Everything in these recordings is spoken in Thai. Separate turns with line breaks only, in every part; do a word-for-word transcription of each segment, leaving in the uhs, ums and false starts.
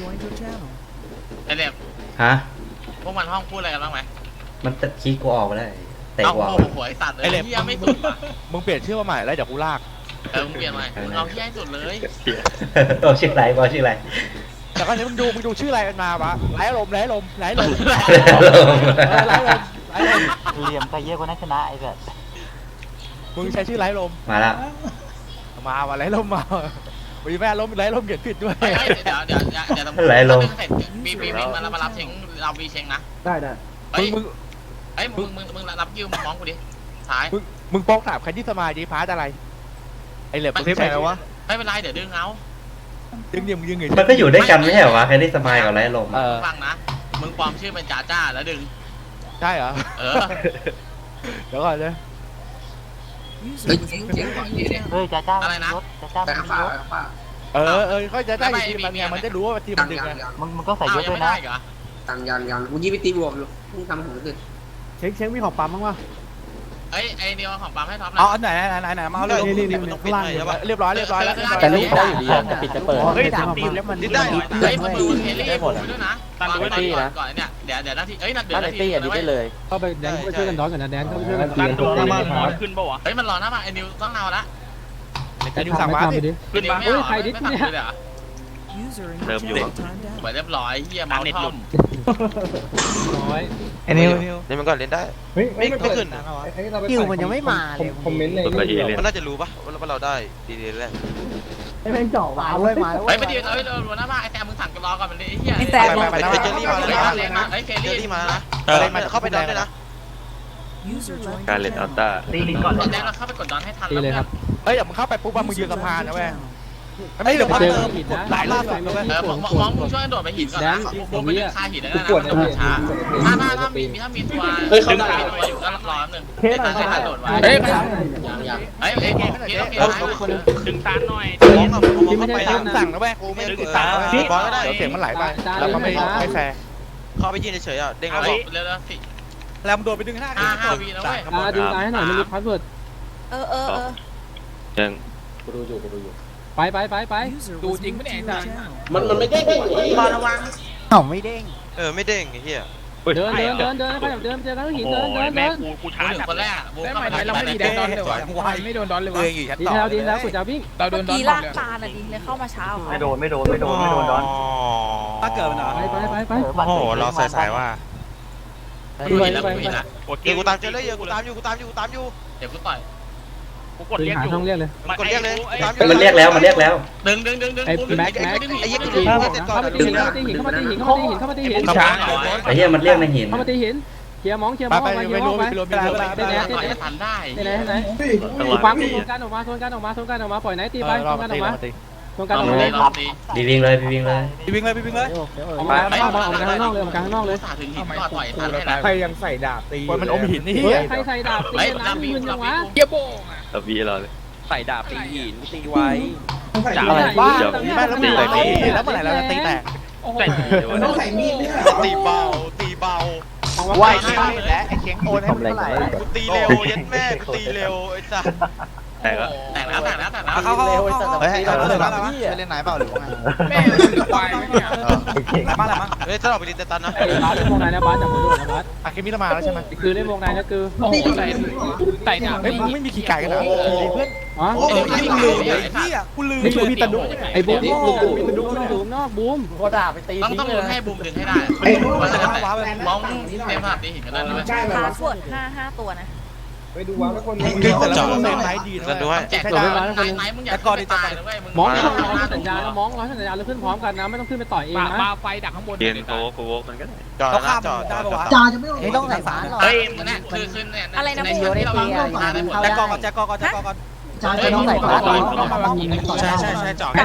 ไอเล็บ
ฮะ
พวกมันห้องพูดอะไรกันบ้างไหม
มันตัดคีย์กูออกไปแล้วเตะ
เอา
กูออก
โอ้โหไอสัตว์เลยเฮียไม่สุดว่ะ
มึงเปลี่ยนชื่อมาใหม่แล้วเดี๋ยวกูลาก
เออมึงเปลี่ยนใหม่มึงเอาเฮียให้สุดเลย
ตัวชื่ออะไรบอชื่ออะไร
แต่ก็เดี๋ยวมึงดูมึงดูชื่ออะไรมันมาวะไร้ลมไร้ลมไร้ลมไร้ลมไร้ลม
เหลี่ยมแต่เยอะกว่านั้นชนะไอ้แบบ
มึงใช้ชื่อไร้ลม
มาแล้ว
มาว่ะไร้ลมมาวีแม่ลมไร้ลมเขียนผิดด้วย
เดี๋ยวเดี๋ยวเดี๋ยวเดี๋ยว
ไหลลง
เสร็จมีมีมีมามารับเชงเราวีเชงนะ
ได้ได้
เฮ้ย
มึง
เฮ้ยมึงมึงมึงรับคิวมึงมองกูดิท้าย
มึงมึงป้องถามใครที่สมาธิพาร์ตอะไรไอเหล็บมึงใช่ไหมวะ
ไม่เป็นไรเดี๋ยวดึงเอา
ดึงเดี๋ยวมึงดึงไง
มันก็อยู่ด้วยกันไม่ใช่เหรอวะแค่ได้สมายกับไรลม
ฟังนะมึงปลอมชื่อเป็นจ่าจ้าแล้วดึง
ใช่เหรอ
เออ
เดี๋ยวก่อนเลย
เฮ้ยจ้าจ้าอะไรนะจ้าจ้ามันยศ
เออเออเขาจะได้ทีมมันไงมันจะรู้ว่าทีมมันดึงไง
มึงมึงก็ใส่ยศด้วยนะ
ตังยันยันกูยี่ไปตีบวกอยู่มึงทำของขึ้น
เช็คเช็คมีของปั๊มบ้างวะ
เอ้ยไอ้เดียวของปั๊มให้ท็อปนะ
อ๋อไหนไหนไหนไหนมาเอาเลย
นี่นี่นี่ข้างล่าง
เรียบร้อยเรียบร้อยแล้ว
แต่ลูกเขาอยู่ดีจะปิดจะเปิด
เฮ้ยถามปั๊มแล้วมัน
ได้
เฮ้ยมึงดูเฮลี่ให้หมดด้วยนะตันดูตี้นะก่อนเนี่ยเดี๋ยวเดี๋ยวนาทีเอ้ยนัดเดี๋ยวนาที
ได้เลย
เข้าไปแดนเข้าไปช่วยกันดอนก่อนนะแดนเข้าไปช่วยกัน
ตันตัวมาหมอนขึ้นป่าวะ
เฮ้ยมันรอหน้ามาไอ้นิวต้องเอาละ
ไอ้นิวสั่งมา
ดิ
ขึ้นมา
เฮ้ยใครดิเนี่ย
เริ่มอยู่
เหมือนเรียบร้อยเฮียเมาทอม
ร้อย
ไอ้นิว
นี่มันก็เล่นได้
เฮ้ย
ไม่ไม่ขึ้น
คิวมันยังไม่มาเลยคอมเมนต์เลย
มันน่าจะรู้ปะว่าเราได้ดีๆแล้ว
ไอ้แม่งเจาะมาเลยมา
เฮ้ยไม่ดีเอ้ยเราหน้ามาไอ้แซมมึงสั่งกันรอก่อนมันดิเฮีย
ไอ้แซม
ไปไปเจอรี่มาเลยนะ
ไอ้เคลลี่
มานะเข้าไปดอนด้วยนะ
การเล่นอัลต้า
ตีก่อนแดนเราเข้าไปกดดอนให้ทันแล้ว
เลยครับ
เฮ้ยเดี๋ยวมึงเข้าไปปุ๊บมึงยืนสะพานนะเว้ยไม่เดี๋ยวพักเติมหลายรอบเลย
เออมองมองมึงช่วยโดดไปหินก่อนนะผมไม่ได้คาหินแล้วนะมันช้าถ้าถ้าถ้ามีถ้ามีตัวดึงมีตัวอยู่ก็รอหนึ่งเฮ้ยตันให้ทันโดดไว้เฮ้ยเฮ้ยเฮ้ยเฮ้ย
ดึงตานหน่อย
มองมองเข้าไป
สั่งนะเว้ยกูไม่ดึงตาบอลก็ได้เสียงมันไหลไปแล้วก็ไม่ไม่แฟร์
เข้าไปยืนเฉยๆอ่ะเด้งเอา
เร็วๆสิ
แล้วมึงโดดไปดึงหน้า
ห้าห้าวีนะเว้ย
ดึงตายให้หน่อยไม่รู้พาสเวิร์ด
เออเออเออ
ยัง
กูดูอยู่กูดูอยู่ไปไปไปไป
ดูจริงไม่เองจ้ะ
มันมันไม่ได้ไงบอลระวัง
เอ้าไม่เด้ง
เออไม่เด้งไอ้เหี้ย
เดินเดินเดินเดินไปเดินเจอกันหินเดินเดินเดิน
กูกูช้า
คนแรก
ได้ไหมเราไม่ดีแดนดอนเลยวะไม่โดนดอนเลยวะ
ดีแล้วดีแล้วกูจะวิ่ง
เราโดนดอน
กีลากตาน่ะดิเลยเข้ามาเช้า
ไม่โดนไม่โดนไม่โดนไม่โดนดอน
ถ้าเกิดมันเหรอ
ไปไปไปไป
โอ้โหเราใส่สายว่า
ไปไปไป
เดี๋ยวกูตามเจอเลยเดี๋ยวกูตามอยู่กูตามอยู่กูตามอยู่
เดี๋ยวกูต่อย
กูกดเรียกอยู่
ต้องเรียกเลย
กดเรียกเลย
มันเรียกแล้วมันเรียกแล้ว
ดึงดึงดึงดึง
ไอ้แม็กแม็ก
ไอ้ยี่กู
เข้ามาตีหินเข้ามาตีหินเข้ามาตีหินเข้ามาตีหินเข้ามาตีหิน
ช้า
ไอ้เหี้ยมันเรียกในหิน
เข้ามาตีหินเคลียร์มองเคลียร์มองไปเคลียร์มองไป
ได้ได้ได้ทันได้
ไหนไหนฟังโซนกันออกมาโซนกันออกมาโซนกันออกมาปล่อยไหนตีไปโซนกันออกมาโซนกันออกมา
บีวิ่งเลยบีวิ่งเลย
บีวิ่งเลยบีวิ่งเลย
ออกมาออกมาออกมาข้างนอกเลยออกมาข้างนอกเลย
ถึงหินก็ต่อยทันให้นะ
ใครยังใส่ดาบตีมันอมหินนี่
ใครใส่ดาบตีน้ำมึนยังวะ
เยี่ยโบงอ่ะ
ตะวีเราเลย
ใส่ดาบตีหินตีไว้
ดาบบ้าแล้วตีแล้วแล้วเมื่อไหร่เราจะตีแตก
ต้องใส่มีด
ตีเบาตีเบา
ว่ายและไอ้เคียงโอนให้มันเท่าไหร่
กูตีเร็วยันแม่กูตีเร็วไอ้สัส
แต่ก็
แต่แล้วแต่แล้วแต่แล้ว
เขาเขาเฮ้ยเราเล่นอะไรเล่นไหนเปล่าหรือว่าไงแม่ควายเนี่ยมาแล้วมั้ง
เฮ้ยถ้าเราไปดินตันนะ
บาสเล่นวงในนะบาสจากคนดูนะบาส
อะเคมีละมาแล้วใช่ไหม
คือเล่นวงในนะคือ
ใส่ใส่ดาบเฮ้ยมึงไม่มีขี่ไก่กันเหรอเพื่อน
อ๋อ
เออกูลืมไอ้เหี้ยกูลืมไม่มีตะดุ
ไอ้บูมมีตะดุบูมนอกบูม
โคตรด่าไปตี
ต้องต้องลุ้นให้บูมดึงให้ได้มันจะได้มองเต็มภาพตีหินกันแล้วนะ
พาสเวิร์ดห้าห้าตัวนะ
ไปดูว้าวทุกคน
ดึงแต่ละคนเป็นไม้ดีนะ
ด้วย
แจกตัวไหนไหนมึงอยากตายเลยมึง
มองร้อยสัญญาแล้วมองร้อยสัญญาแล้วขึ้นพร้อมกันนะไม่ต้องขึ้นไปต่อยเองนะ
ไฟดักข้างบน
เดินโค้โค้มันก็ได้
จอดนะจอด
ได้ปะวะจ่าจะไม่ต้องใส่ฝาหรอ
เฮ้ยเนี่ยคือคือเนี่ย
อะไรนะ
บูมที่เราวางมาได้หมด
แจ็คกองก่อนแจ็คกองก่อนแจ็คกองก่อน
จ่าจะต้องใส่ฝา
ใช่ใช่ใช่จอด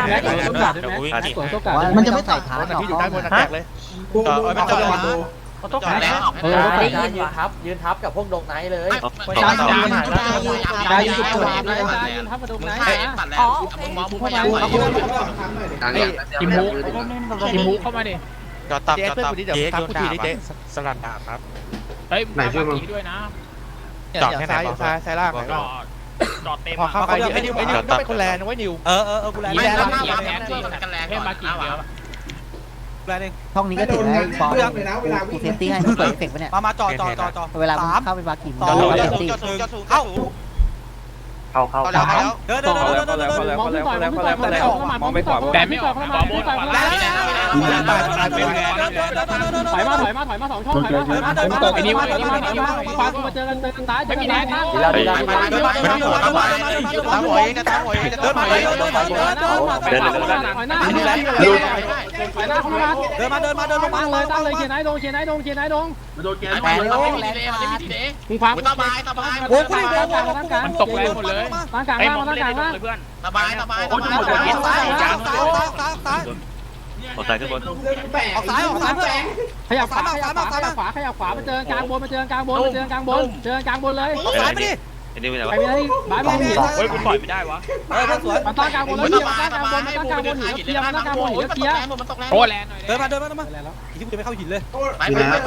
มันจะไม่ใส่ฝา
ที่อยู่ด้านบนแตกเลย
จอดไม่จอด
เขาต้องแล้วเออได้ยืนทับยืนทับกับพวกดงไนท์เลย
จ่ายจ่ายจ่ายจ่ายยืน
ทับกับดงไนท์
อ๋อมึงมองมึงพยายามต่อย
กิมมุกกิมมุกเข้ามาดิ
จอดตับจอดตับ
เจ๊โดนด่าเจ๊สลัดดาบครับเฮ้ยไหนช่วยมึงด้วยนะจอดแค่ไหนซ้ายซ้ายล่างจอดจอดเต็มพอเข้าไปไอ้นิวไอ้นิวต้องเป็นคนแลนด์ไว้นิวเออเออเออกูแลนด์
ไม่แลนด์ไม่แลนด์กันแลนด์ให้มากี่เดียว
แบนเอง
ช่องนี้ก็ถือไอ้บอลกูเซฟตี้ให้มึงเปิดเอฟเฟกต์ปะเนี่ย
มามาจอดจอดจอดจอด
เวลามึงเข้าไปบาร์กิน
ต่อ
มึง
จ
เซ
อด
ฟตี้
จอดสูงจอดสูงเข้า
เข้าเข้า
เข้าแล้วเข้าแล้วเดินเดินเดินเดินเดิน
มองขึ้นก่อนมองขึ้นก่อนมองขึ้นก่อนมองขึ้นก่อนแต่ไม่ออกมองขึ้นก่อนมองขึ้นก่อนถอยมาถอยมาถอยมาสองช่องถอยมาถอยมาถอยมาไอ้นี่ไอ้นี่มาไอ้นี่มาฟังมาเจอกันเจอกันซ้ายเจอกันซ้ายข้าง
เดินมาเดินมาเดินมาเดินมาตามหัวเองนะตามหัวเองเดินมาเดินมาเดินมาเดินมา
ถอยหน้าถอยหน้าถอยหน้าถอยหน้าเข้ามา
เดินมาเดินมาเดินมา
ตั้งเลยตั้งเลยเชียร์ไหนดงเชียร์ไหนดงเชียร์ไหนดง
โดนแกนมันไม่มีดีเลยมันไม่มีดีเลย
มึงฟัง
สบายสบาย
โอ้ยตั้งกลางตั้งกลาง
มันตกแรงหมดเลย
ตั้งกลาง
ไอ้
ล่าง
มอง
ตั้ง
เล่
ก
น
ลาง
ใน
ล่าง
เพื่อน
สบายสบาย
โอ้ยซ้ายซ้ายซ้ายซ้ายซ้ายซ้าย
ออกซ้ายขึ้นบน
ออกซ้ายออกซ้ายเพื่อน
ขยับขวาขยับขวาขยับขวาขยับขวามาเจอกลางบนมาเจอกลางบนมาเจอกลางบนเจอกลางบนเลย
ออกซ้ายไปดิ
ไอ้นี่เป็นไง
ไป
วะ
ไม่ได้บ้านมองหิน
เฮ้ยกูต่อยไม่ได้วะ
เออเพื่อนสวย
มาตั้งกลางบนแล้วเกียร์มาตั้งกลางบนมาตั้งกลางบนหินเกียร์มาตั้งกลางบนหินเกียร์
มันตกแรง
โอ้แรงหน่อย
เดินมาเดินมาเดินมาอีกที่กูจะไม่เข้าหินเลย
ไปไปไปไป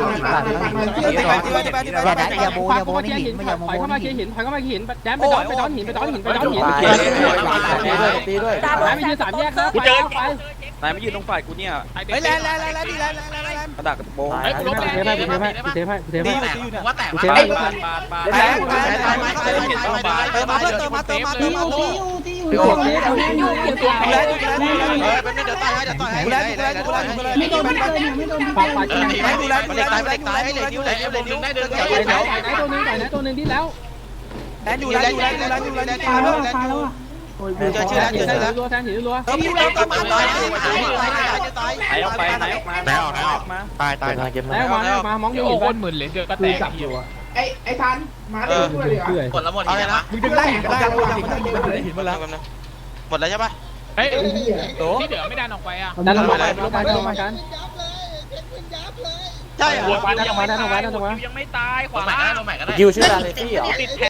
อย่านะอย่าโบอย่าโบในหินไม่อย่าโบ
ถอยเข้า
ใน
มา
หิ
เกีย
น
ร์หินถอยเข้ามาเกียร์หินแดมไปดอนไปดอนหินไปดอนหินไปดอนหิน
ตีด้วย
แดมไปยืนสามแยกนะไปไป
นายไม่ยืนตรงฝ่ายกูเนี่ย
เฮ้ยแรงแรงแรงแรงดีแรงแรงแรงแรง
กระดาษกระโปรง
เฮ้ยกูลบแรงกูเทปให้กูเทปให้กูเทปให้
ตีอยู่ตีอยู่เนี่ย
ว่าแตก
กู
ว่า
เทป
แต
ให้
ก
ปาดปาดปาด
แรงแรงแรงแรงเติมมาเพื่อนเติมมาเติมมาเติมมาเติมมา
กูเทปกูเทปอยู่กูเทป
แรงแรงเฮ้ยเป็นเดี๋ยวตายให้เดี๋ยวตายให้แรงแรงแรงแรงไม่โดนไม่โดนไม่โดน
ปากปาก
เออหนีไม่ดูแลดูแลดูแลตายให้เลยนิ้วเลยนิ้วเลยนิ้วได้เดิน
ไปไหนไปไหนตัวนึงไปไหนตัวนึงที่แล้ว
แรงอยู่แรงอยู่แรงอยู่แรงอยู่แรงอยู่แรงอยู่แรงอยู่เจอชื่อแล้วเจอชื่อแล้ว
รัวแทนหินรัว
เติมนิ้วแล้วก็มาตายตายตายจะตาย
ไหนออกไปไหนออกมาไหนออกไหนออกมา
ตายตายตายเก็บ
แล้วมาแล้วมามองอยู่
โอ้
หิน
โห
ไป
หมื่นเลยเดือดก็แตกอยู่
ไอ้ไอ้ทันมาได้ช่วยเลย
เพื่อ
กดแล้วหมด
เอา
ที
เลย
นะ
นะมึงดึงได้หินได้หินหมดแล้วหมดแล้วใช่ปะ
เฮ้ยที่เหลือไม่ดันออกไปอ่ะ
ดันออกมาดันออกมาดันออกมากัน
ใช่
หัว
ดันออกมาดันออกมาดันออกมา
ยังไม่ตายข
ตัว
วา
ใหม่ก็ได้ตัวใหม่ก็ได้
คิวชื่ออะไรพี่เหรอติด